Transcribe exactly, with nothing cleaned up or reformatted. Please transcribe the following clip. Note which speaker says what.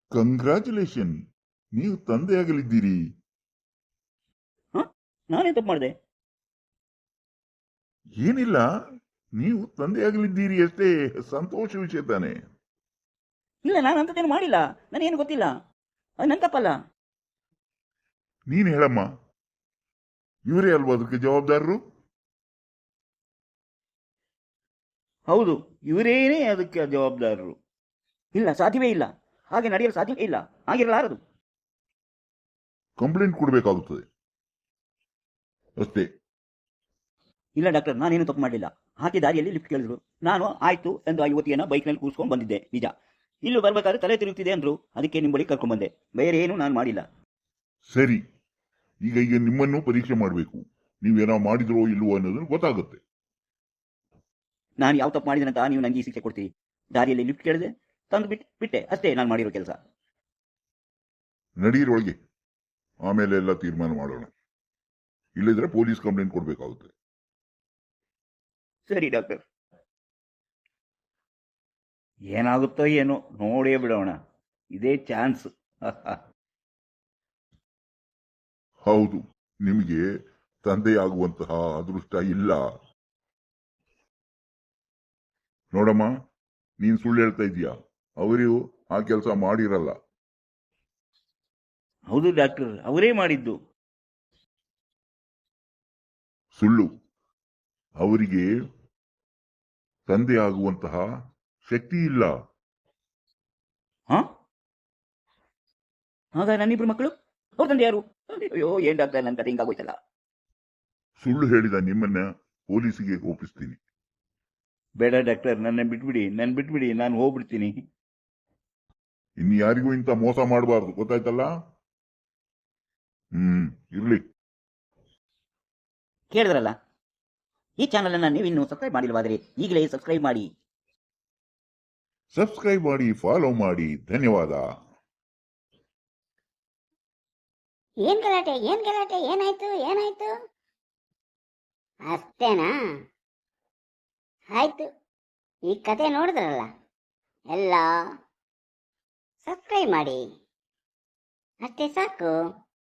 Speaker 1: Congratulation, ನೀವು ತಂದೆಯಾಗಲಿದ್ದೀರಿ.
Speaker 2: ನಾನೇ ತಪ್ಪು ಮಾಡಿದೆ?
Speaker 1: ಏನಿಲ್ಲ, ನೀವು ತಂದೆಯಾಗಲಿದ್ದೀರಿ ಅಷ್ಟೇ, ಸಂತೋಷ ವಿಷಯ ತಾನೆ.
Speaker 2: ಇಲ್ಲ, ನಾನು ಅಂಥದ್ದೇನು ಮಾಡಿಲ್ಲ, ನನಗೇನು ಗೊತ್ತಿಲ್ಲ, ಅದು ನನ್ನ ತಪ್ಪಲ್ಲ.
Speaker 1: ನೀನು ಹೇಳಮ್ಮ, ಇವರೇ ಅಲ್ವಾ ಅದಕ್ಕೆ ಜವಾಬ್ದಾರರು?
Speaker 2: ಹೌದು, ಇವರೇನೇ ಅದಕ್ಕೆ ಜವಾಬ್ದಾರರು. ಇಲ್ಲ, ಸಾಧ್ಯವೇ ಇಲ್ಲ, ಹಾಗೆ ನಡೆಯಲು ಸಾಧ್ಯವೇ ಇಲ್ಲ, ಆಗಿರಲಾರದು.
Speaker 1: ಕಂಪ್ಲೇಂಟ್ ಕೊಡಬೇಕಾಗುತ್ತದೆ ಅಷ್ಟೇ.
Speaker 2: ಇಲ್ಲ ಡಾಕ್ಟರ್, ನಾನೇನು ತಪ್ಪು ಮಾಡಲಿಲ್ಲ. ಹಾಕಿ ದಾರಿಯಲ್ಲಿ ಲಿಫ್ಟ್ ಕೇಳಿದ್ರು, ನಾನು ಆಯ್ತು ಎಂದು ಆ ಯುವತಿಯನ್ನ ಬೈಕ್ನಲ್ಲಿ ಕೂರಿಸ್ಕೊಂಡು ಬಂದಿದ್ದೆ ನಿಜ. ಇಲ್ಲೂ ಬರ್ಬೇಕಾದ್ರೆ ತಲೆ ತಿರುಗ್ತಿದೆ ಅಂದ್ರು, ಅದಕ್ಕೆ ನಿಮ್ಮ ಬಳಿ ಕರ್ಕೊಂಡ್ ಬಂದೆ, ಬೇರೆ ಏನು ನಾನು ಮಾಡಿಲ್ಲ.
Speaker 1: ಸರಿ, ಈಗ ಈಗ ನಿಮ್ಮನ್ನು ಪರೀಕ್ಷೆ ಮಾಡಬೇಕು. ನೀವೇನೋ ಮಾಡಿದ್ರೋ ಇಲ್ವೋ ಅನ್ನೋದನ್ನು ಗೊತ್ತಾಗುತ್ತೆ.
Speaker 2: ನಾನು ಯಾವ ತಪ್ಪು ಮಾಡಿದೆ ಅಂತ ನೀವು ನನಗೆ ಈ ಶಿಕ್ಷೆ ಕೊಡ್ತೀರಿ? ದಾರಿಯಲ್ಲಿ ಲಿಫ್ಟ್ ಕೇಳಿದೆ, ತಂದು ಬಿಟ್ಟು ಬಿಟ್ಟೆ ಅಷ್ಟೇ ನಾನು ಮಾಡಿರೋ ಕೆಲಸ.
Speaker 1: ನಡೀರೊಳಗೆ, ಆಮೇಲೆ ಎಲ್ಲ ತೀರ್ಮಾನ ಮಾಡೋಣ. ಇಲ್ಲದ್ರೆ ಪೊಲೀಸ್ ಕಂಪ್ಲೇಂಟ್ ಕೊಡಬೇಕಾಗುತ್ತೆ.
Speaker 2: ಸರಿ ಡಾಕ್ಟರ್. ಏನಾಗುತ್ತೋ ಏನೋ ನೋಡೇ ಬಿಡೋಣ, ಇದೇ ಚಾನ್ಸ್.
Speaker 1: ಹೌದು, ನಿಮಗೆ ತಂದೆಯಾಗುವಂತಹ ಅದೃಷ್ಟ ಇಲ್ಲ. ನೋಡಮ್ಮ, ನೀನ್ ಸುಳ್ಳು ಹೇಳ್ತಾ ಇದೀಯಾ, ಅವರು ಆ ಕೆಲಸ ಮಾಡಿರಲ್ಲ.
Speaker 2: ಹೌದು ಡಾಕ್ಟರ್, ಅವರೇ ಮಾಡಿದ್ದು.
Speaker 1: ಸುಳ್ಳು. ಅವರಿಗೆ ತಂದೆಯಾಗುವಂತಹ ಶಕ್ತಿ ಇಲ್ಲ.
Speaker 2: ಹಾ, ಆಗ ನನ್ನಿಬ್ರು ಮಕ್ಕಳು ಅವ್ರ ತಂದೆ ಯಾರು? ಅಯ್ಯೋ, ಏನ್ ಡಾಕ್ಟರ್, ನನ್ನ ಕತೆ ಹಿಂಗಾಗೋಯ್ತಲ್ಲ.
Speaker 1: ಸುಳ್ಳು ಹೇಳಿದ ನಿಮ್ಮನ್ನ ಪೊಲೀಸಿಗೆ ಒಪ್ಪಿಸ್ತೀನಿ.
Speaker 2: ಬೇಡ ಡಾಕ್ಟರ್, ನನ್ನ ಬಿಟ್ಬಿಡಿ, ನನ್ನ ಬಿಟ್ಬಿಡಿ, ನಾನು ಹೋಗ್ಬಿಡ್ತೀನಿ.
Speaker 1: ಇನ್ನು ಯಾರಿಗೂ ಇಂತ ಮೋಸ ಮಾಡಬಾರ್ದು, ಗೊತ್ತಾಯ್ತಲ್ಲ? ಹ್ಮ್, ಇರ್ಲಿ.
Speaker 2: ಕೇಳಿದ್ರಲ್ಲ, ಈ ಚಾನಲ್ ಅನ್ನ ನೀವು ಇನ್ನೂ ಸಬ್ಸ್ಕ್ರೈಬ್ ಮಾಡಿಲ್ವಾದ್ರೆ ಈಗಲೇ ಸಬ್ಸ್ಕ್ರೈಬ್ ಮಾಡಿ.
Speaker 1: ಸಬ್ಸ್ಕ್ರೈಬ್ ಮಾಡಿ, ಫಾಲೋ ಮಾಡಿ. ಧನ್ಯವಾದ.
Speaker 3: ಏನ್ ಗಲಾಟೆ ಏನ್ ಗಲಾಟೆ ಏನಾಯ್ತು ಏನಾಯ್ತು? ಅಷ್ಟೇನಾ? ಆಯ್ತು, ಈ ಕತೆ ನೋಡಿದ್ರಲ್ಲ, ಎಲ್ಲ ಸಬ್ಸ್ಕ್ರೈಬ್ ಮಾಡಿ, ಅಷ್ಟೇ ಸಾಕು.